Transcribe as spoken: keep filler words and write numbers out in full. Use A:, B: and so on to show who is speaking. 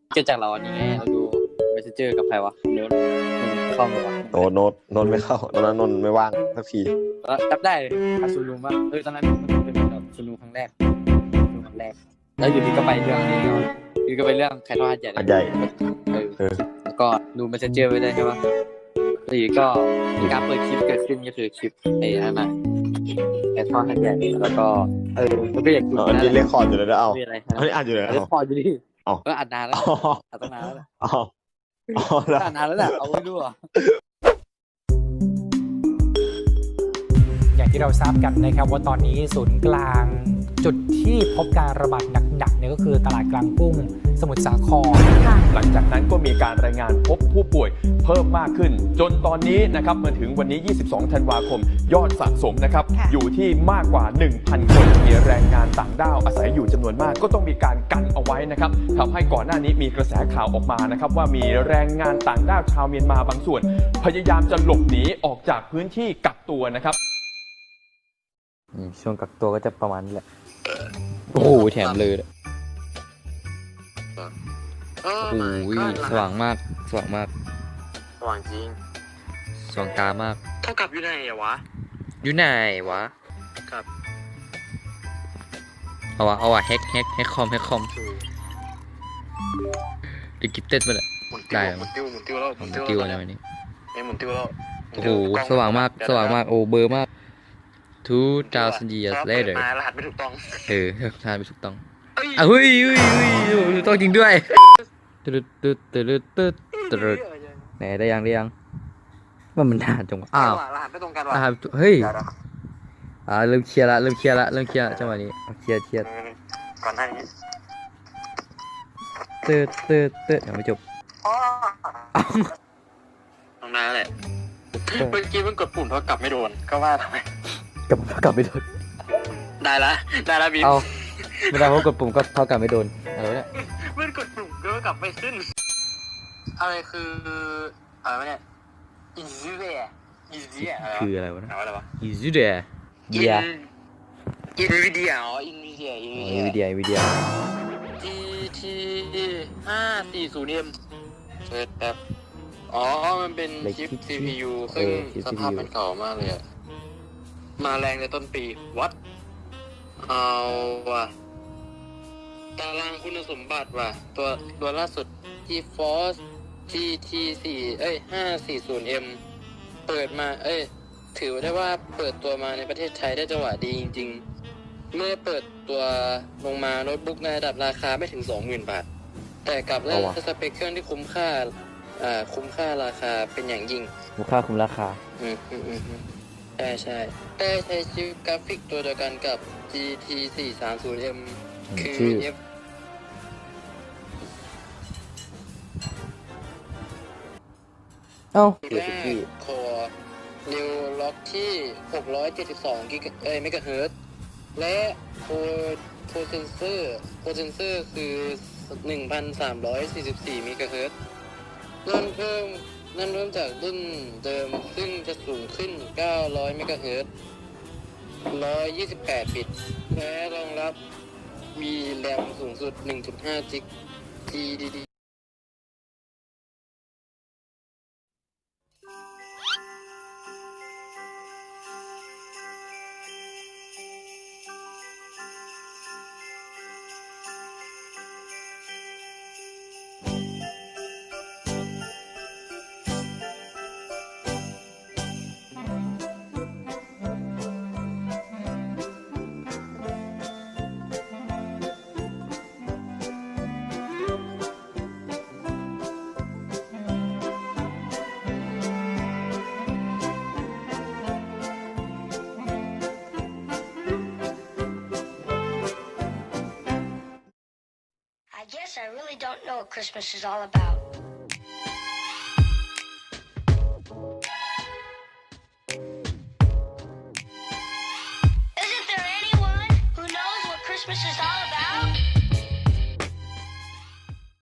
A: เกิดจากเราอันนี้ไงเราดูเมสเซนเจอร์กับใครวะโน้ตเข้ามา
B: โน้ตโน้ตโน้ตไม่เข้าตอนนั้นโน้ตไม่ว่างสักที
A: แล้วจับได้เลยอาซูรุมว่าเออตอนนั้นมันเป็นแบบซูรุมครั้งแรกซูรุมครั้งแรกแล้วอยู่ดีก็ไปเรื่องนี้เนาะอยู่ก็ไปเรื่องใครทอดหัดใหญ่
B: หัดใหญ่
A: เออ
B: เออ
A: แล้วก็ดูเมสเซนเจอร์ไปได้ใช่ปะแล้วอยู่ก็มีการเปิดคลิปเกิดขึ้นก็คือคลิปไอ้นั่นน่ะใครทอดหัดใหญ่แล้วก็เออมันก็อยากดู
B: อ๋ออันนี้เรคคอร์ดอยู่เลยนะเอา
A: มีอะไร
B: อันนี้อ่านอยู่เลย
A: อัน
B: เอา
A: นี้พออยู่ดิ
B: เอา
A: เอออัดนานแล้ว
B: อ๋อ
A: อัดตั้งนานแล้ว
B: อ๋ออ๋อแล้ว
A: อัดนานแล้วแหละเอาไว้ดูอ่ะ
C: อย่างที่เราทราบกันนะครับว่าตอนนี้ศูนย์กลางจุดที่พบการระบาดหนักๆเนี่ยก็คือตลาดกลางกุ้งสมุทรสาคร
D: หลังจากนั้นก็มีการรายงานพบผู้ป่วยเพิ่มมากขึ้นจนตอนนี้นะครับมาถึงวันนี้ ยี่สิบสอง ธันวาคม ยอดสะสมนะครับอยู่ที่มากกว่า หนึ่งพัน คนมีแรงงานต่างด้าวอาศัยอยู่จำนวนมากก็ต้องมีการกันเอาไว้นะครับทำให้ก่อนหน้านี้มีกระแสข่าวออกมานะครับว่ามีแรงงานต่างด้าวชาวเมียนมาบางส่วน พยายามจะหลบหนีออกจากพื้นที่กักตัวนะครับ
A: ช่วงกักตัวก็จะประมาณนี้แหละโอ้โหแถมเลยโอ้โหสว่างมากสว่างมาก
B: สว่างจริง
A: สว่างตามาก
B: เท่ากับอยู่ไหนอะวะ
A: อยู่ไหนวะ
B: ครับ
A: เอาวะเอาวะแฮกแฮกแฮกคอมแฮกคอมดิกิฟเต็ดไปเลยได้
B: หมุนติ้วหมุนติ้วแล้ว
A: ผมติวอะไรวันนี้
B: ไม่หมุนติ้วแล้ว
A: โอ้โหสว่างมากสว่างมากโอ้เบอร์มาก two thousand years later
B: มารหัสไม่ถูกต้อง
A: เออทานไปถูกต้องอ่ะเฮ้ยเฮ้ยเฮ้ยถูกต้องจริงด้วยตึ๊ดตึ๊ดตึ๊ดตึ๊ดตึ๊ดไหนได้ยังได้ยังว่ามันนานจังวะอ้าว
B: รหัสไม่ตรงกันว่ะ
A: อ่าเฮ้ยอ่าเริ่มเคลียร์ละเริ่มเคลียร์ละเริ่มเคลียร์จังหวะนี้เคลียร์เคลียร์
B: ก่อนหน้านี้
A: ตึ๊ดตึ๊ดตึ๊ดยังไม่จบ
B: ตรงนั้นแหละเมื่อกี้มันกดปุ่มเท่ากลับไม่โดนก็ว่าทำไม
A: กลับกลับไม่โดน
B: ได้ละได้ละบีม
A: เอาไม่ได้เพราะกดปุ่มก็เท่ากับไม่โดนอะไรวะเนี่ย
B: มันกดปุ่มก็กลับไม่ขึ้นอะไรคืออะไรวะเนี่ยอีซี่เว่อีซี่อะ
A: คืออะไรวะนะ
B: อะไรวะ
A: easy there เดีย
B: อินวิเดียอ๋ออินวิเดียอิน
A: วิดีโอวิดีโอ
B: จีทีห้าสี่ศูนย์เอ็มเปิดแบบอ๋อมันเป็นชิป ซี พี ยู ซึ่งสภาพมันเก่ามากเลยอะมาแรงในต้นปีวัดเอาว่ะตารางคุณสมบัติว่ะตัวตัวล่าสุด GeForce จี ที สี่ เอ้ย ห้าสี่ศูนย์เอ็ม เปิดมา เอ้ย ถือได้ว่าเปิดตัวมาในประเทศไทยได้จังหวะดีจริงๆ เมื่อเปิดตัวลงมาโน้ตบุ๊กในระดับราคาไม่ถึง สองหมื่น บาท แต่กลับได้สเปคเครื่องที่คุ้มค่า อ่า คุ้มค่าราคาเป็นอย่างยิ่ง
A: มูลค่าคุ้มราคา
B: อืมอืมอืมใช่ใช่แต่ใช้ชิปกราฟิกตัวเดียวกันกับ จี ที สี่สามศูนย์เอ็ม คือ
A: ชื่อ
B: F
A: เอ้า
B: แรกคอนิวล็อกที่หกร้อยเจ็ดสิบสองกิกเอ้ยเมกะเฮิรตซ์และโคโคเซนเซอร์โคเซนเซอร์คือ หนึ่งพันสามร้อยสี่สิบสี่เมกะเฮิรตซ์นั่นเพิ่มนั่นเริ่มจากรุ่นเดิมซึ่งจะสูงขึ้นเก้าร้อยเมกะเฮิรตซ์หนึ่งร้อยยี่สิบแปดบิตและรองรับมีแรมสูงสุด หนึ่งจุดห้า จิก จี ดี ดี
E: I guess I really don't know what Christmas is all about. Isn't there anyone who knows what Christmas is all